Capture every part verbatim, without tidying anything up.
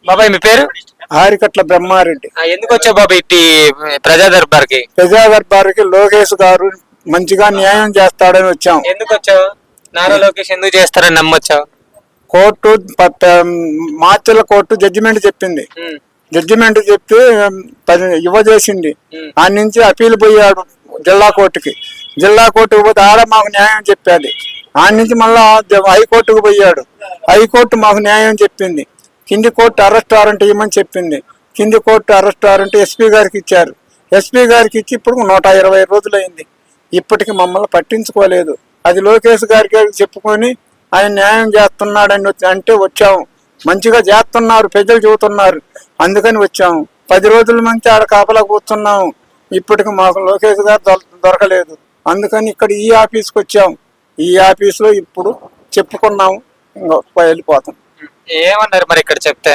బాబాయ్ మీ పేరు? ఆరికట్ల బ్రహ్మారెడ్డి. ఆ, ఎందుకు వచ్చావు బాబాయ్ ఇట్టి ప్రజా దర్బార్కి? ప్రజా దర్బార్కి లోకేష్ గారు మంచిగా న్యాయం చేస్తాడని వచ్చాం. ఎందుకు వచ్చావు? నారా లోకేష్ ఎందుకు చేస్తారని నమ్మొచ్చావు? కోర్టు ప- ప- మార్చిల కోర్టు జడ్జిమెంట్ చెప్పింది. ఉమ్, జడ్జిమెంట్ చెప్పి పది ఇవ్వ చేసింది. ఉమ్, ఆ నుంచి అప్పీల్ పోయాడు జిల్లా కోర్టుకి. జిల్లా కోర్టుకు పోతే ఆడ మాకు న్యాయం చెప్పాది. ఆ నుంచి మళ్ళా జ- హైకోర్టుకు పోయాడు. హైకోర్టు మాకు న్యాయం చెప్పింది. కింది కోర్టు అరెస్ట్ వారెంట్ ఇవ్వమని చెప్పింది. కింది కోర్టు అరెస్ట్ వారెంట్ ఎస్పీ గారికి ఇచ్చారు. ఎస్పీ గారికి ఇచ్చి ఇప్పుడు నూట ఇరవై రోజులైంది. ఇప్పటికి మమ్మల్ని పట్టించుకోలేదు. అది లోకేష్ గారికి చెప్పుకొని ఆయన న్యాయం చేస్తున్నాడని వచ్చి- అంటే వచ్చాము. మంచిగా చేస్తున్నారు, ప్రజలు చెబుతున్నారు, అందుకని వచ్చాము. పది రోజుల నుంచి ఆడ కాపలా కూర్చున్నాము. ఇప్పటికి మాకు లోకేష్ గారు దొర- దొరకలేదు. అందుకని ఇక్కడ ఈ ఆఫీస్కి వచ్చాము. ఈ ఆఫీస్లో ఇప్పుడు చెప్పుకున్నాము, ఇంకా వెళ్ళిపోతాం. ఏమన్నారు మరి ఇక్కడ చెప్తే?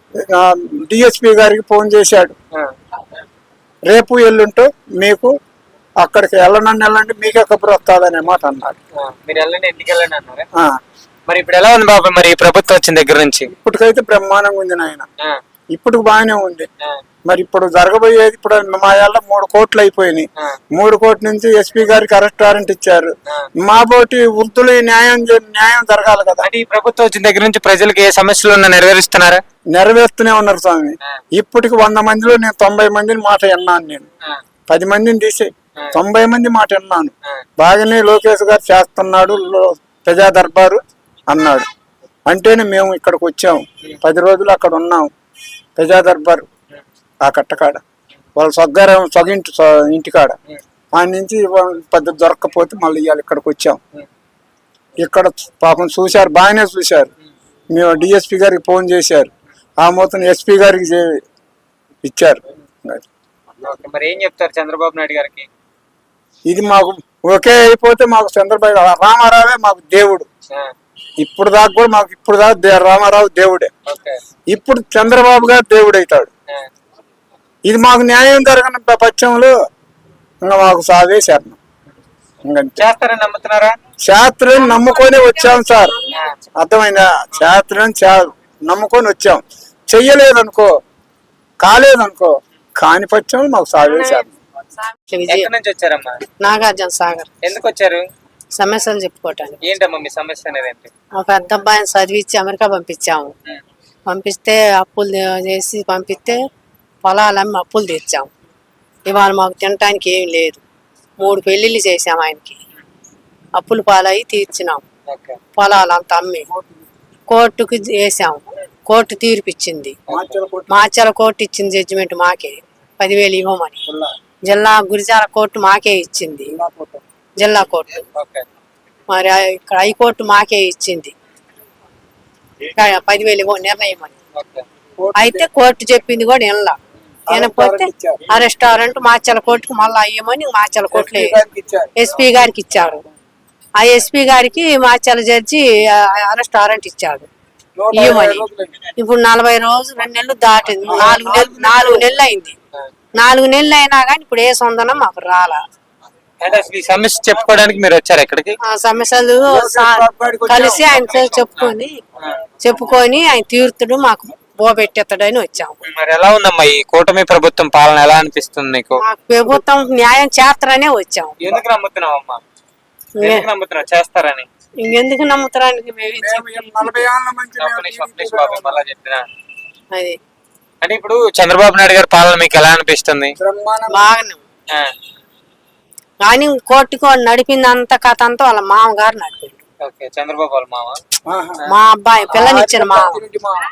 డిఎస్పీ గారికి ఫోన్ చేశాడు. ఆ, రేపు ఎల్లుంటూ మీకు అక్కడికి వెళ్ళనండి వెళ్ళండి మీకే కబురు వస్తుందనే మాట అన్నాడు. ఆ, మీరు వెళ్ళండి ఎందుకు వెళ్ళండి అన్నారా? ఆ, మరి ఇప్పుడు ఎలా ఉంది బాబాయ్ మరి ఈ ప్రభుత్వం వచ్చిన దగ్గర నుంచి? ఇప్పటికైతే బ్రహ్మాండంగా ఉంది నాయన. ఆ, ఇప్పుడు బాగానే ఉంది. ఆ, మరి ఇప్పుడు జరగబోయేది ఇప్పుడు మా ఏళ్ళ మూడు కోట్లు అయిపోయినాయి. ఆ, మూడు కోట్ల నుంచి ఎస్పీ గారికి అరెస్ట్ వారెంట్ ఇచ్చారు. ఆ. మా బోటి వృద్ధులు ఈ న్యాయం చే- న్యాయం జరగాలి కదా. అంటే ఈ ప్రభుత్వం వచ్చిన దగ్గర నుంచి ప్రజలకు ఏ సమస్యలు ఉన్నా నెరవేరుస్తున్నారా? నెరవేరుస్తూనే ఉన్నారు స్వామి. ఆ, ఇప్పటికి వంద మందిలో నేను తొంభై మందిని మాట విన్నాను. నేను ఆ, పది మందిని తీసే ఆ. తొంభై మంది మాట విన్నాను. ఆ. బాగానే లోకేష్ గారు చేస్తున్నాడు లో- ప్రజా దర్బారు అన్నాడు. అంటేనే మేము ఇక్కడికి వచ్చాము. పది రోజులు అక్కడ ఉన్నాం ప్రజా దర్బారు ఆ కట్టకాడ, వాళ్ళ సొగ్గారం సొగింటి సొ- ఇంటికాడ. ఆ నుంచి పెద్ద దొరక్కపోతే మళ్ళీ ఇవాళ ఇక్కడికి వచ్చాం. ఇక్కడ పాపం చూశారు, బాగానే చూశారు. మేము డిఎస్పీ గారికి ఫోన్ చేశారు. ఆ మొత్తం ఎస్పీ గారికి చే- ఇచ్చారు. ఓకే, మరి ఏం చెప్తారు చంద్రబాబు నాయుడు గారికి? ఇది మాకు ఒకే అయిపోతే మాకు చంద్రబాబు రామారావే మాకు దేవుడు. ఆ, ఇప్పుడు దాకా కూడా మాకు ఇప్పుడు దాకా దే- రామారావు దేవుడే. ఓకే. ఇప్పుడు చంద్రబాబు గారు దేవుడు అవుతాడు. ఆ, ఇది మాకు న్యాయం జరగని ప్రపంచంలో ఇంకా మాకు సావే శరణం. ఇంకంతే. చేస్తారని నమ్ముతున్నారా? శాస్త్రం నమ్ముకొని వచ్చాం సార్. ఆ, అర్థమైందా? శాస్త్రం చా- నమ్ముకొని వచ్చాం. చెయ్యలేదనుకో, కాలేదనుకో, కాని పక్షం మాకు సావే శరణం. ఎక్కడి నుంచి వచ్చారమ్మా? నాగార్జున సాగర్. ఎందుకు వచ్చారు? సమస్యలు చెప్పుకోవటానికి. ఏంటమ్మా మీ సమస్య అనేది ఏంటి? ఒక పెద్ద అబ్బాయిని చదివించి అమెరికా పంపించాము. ఉమ్, పంపిస్తే అప్పులు చేసి పంపిస్తే పొలాలమ్మి అప్పులు తెచ్చాము. ఇవాళ మాకు తినటానికి ఏం లేదు. మూడు పెళ్లిళ్ళు చేసాము ఆయనకి. అప్పులు పాలయ్యి తీర్చినాం. ఓకే. పొలాలంతా అమ్మి కోర్టుకు వేసాము. కోర్టు తీర్పు ఇచ్చింది. మాచల కోర్టు ఇచ్చింది జడ్జిమెంట్ మాకే పదివేలు ఇవ్వమని. జిల్లా గురిజాల కోర్టు మాకే ఇచ్చింది. జిల్లా కోర్టు ఓకే. మరి ఆ- ఇక్కడ హైకోర్టు మాకే ఇచ్చింది ఇక్కడ పదివేలు ఇవ్వ నిర్ణయం అని. ఓకే. అయితే కోర్టు చెప్పింది కూడా వినలా. వినకపోతే ఆ రెస్టారెంట్ మాచల కోర్టుకు మళ్ళీ అయ్యమని మాచల కోర్టులో ఎస్పీ గారికి ఇచ్చారు. ఆ ఎస్పీ గారికి మాచల జడ్జి ఆ రెస్టారెంట్ ఇచ్చాడు ఇవ్వమని. ఇప్పుడు నలభై రోజులు రెండు నెలలు దాటింది. నాలుగు నెలలు నాలుగు నెలలు అయింది. నాలుగు నెలలు అయినా కానీ ఇప్పుడు ఏ సొందనం మాకు రాలా. అంటే అసలు ఈ సమస్య చెప్పుకోవడానికి మీరు వచ్చారు ఎక్కడికి? ఆ సమస్యలు సా- కలిసి ఆయన చెప్పుకొని చెప్పుకొని ఆయన తీర్తుడు మాకు బోబెట్టేస్తాడని వచ్చాము. మరి ఎలా ఉందమ్మా ఈ కూటమి ప్రభుత్వం పాలన ఎలా అనిపిస్తుంది నీకు? మాకు ప్రభుత్వం న్యాయం చేస్తారనే వచ్చాము. ఎందుకు నమ్ముతున్నావు అమ్మా? ఎందుకు నమ్ముతున్నావు చేస్తారని? ఇంకెందుకు నమ్ముతారానికి మేము ఏం చెప్ప- నలభై ఏళ్ళ నుంచి ఒక్క నిమిషం, ఒక్క నిమిషం బాబు, మళ్ళా చెప్తున్నా. అది అంటే ఇప్పుడు చంద్రబాబు నాయుడు గారి పాలన మీకు ఎలా అనిపిస్తుంది? బ్రహ్మాండం. బాగానే ఉంది. ఆ, కానీ కోర్టుకు నడిపింది అంత కథ అంతా వాళ్ళ మామగారు నడిపిండు. ఓకే. చంద్రబాబు వాళ్ళ మామ? ఆహా. మా అబ్బాయి పిల్లనిచ్చిన మామ. ఇంటి మామ.